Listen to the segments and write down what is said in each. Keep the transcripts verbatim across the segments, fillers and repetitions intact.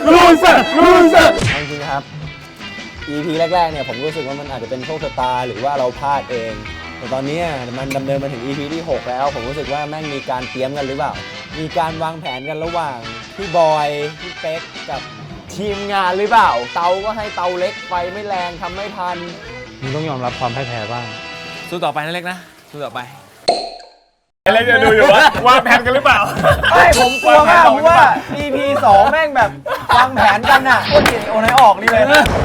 ลูเซอร์ลูเซอร์จริงๆครับ อี พี แรกๆเนี่ยผมรู้สึกว่ามันอาจจะเป็นโชคชะตาหรือว่าเราพลาดเองแต่ตอนนี้มันดำเนินมาถึง อี พี ที่หกแล้วผมรู้สึกว่าแม่งมีการเตรียมกันหรือเปล่ามีการวางแผนกันระหว่างพี่บอยพี่เป๊กกับทีมงานหรือเปล่าเตาก็ให้เตาเล็กไฟไม่แรงทำไม่ทันมึงต้องยอมรับความพ่ายแพ้บ้างสู้ต่อไปนะเล็กนะสู้ต่อไปอะไรจะดูอยู่วะวางแผนกันหรือเปล่าไม่ผมกลัวมากเพราะว่า อี พี สองแม่งแบบวางแผนกันอะโคตรเจ๋งโอนให้ออกนี่เลย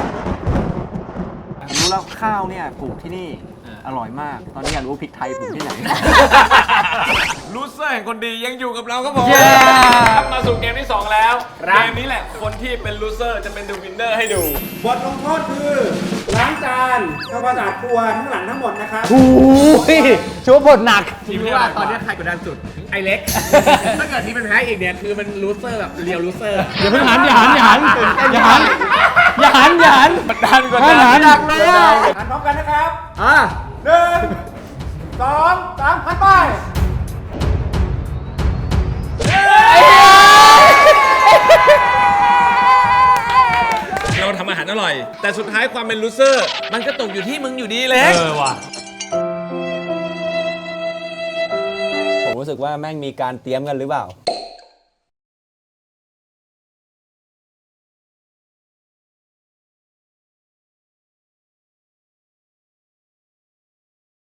รู้แล้วข้าวเนี่ยปลูกที่นี่อร่อยมากตอนนี้อยากรู้พริกไทยปลูกที่ไหนลูเซอร์แห่งคนดียังอยู่กับเราครับผมกลับมาสู่เกมที่สองแล้วเกมนี้แหละคนที่เป็นลูเซอร์จะเป็นดูวินเนอร์ให้ดูบทลงโทษคือล้างจานทำความสะอาดครัวทั้งหลังทั้งหมดนะครับโอ้ยชัวร์ผลหนักทีมว่าตอนนี้ใครกดดันสุดไอเล็ก ถ้าเกิดทีมเป็นแพ้อีกเนี่ยคือมันลูเซอร์แบบเรียวลูเซอร์อย่าเพิ่งหันอย่าหันอย่าหันอย่าหันอย่าหันอย่าหันมันดันกว่าหันหันหนักเลยอ่ะอ่านพร้อมกันนะครับอ่ะหนึ่งสองสามหันไปเราทำอาหารอร่อย แต่สุดท้ายความเป็นลูเซอร์ มันก็ตกอยู่ที่มึงอยู่ดีเล็กเออว่ะผมรู้สึกว่าแม่งมีการเตรียมกันหรือเปล่า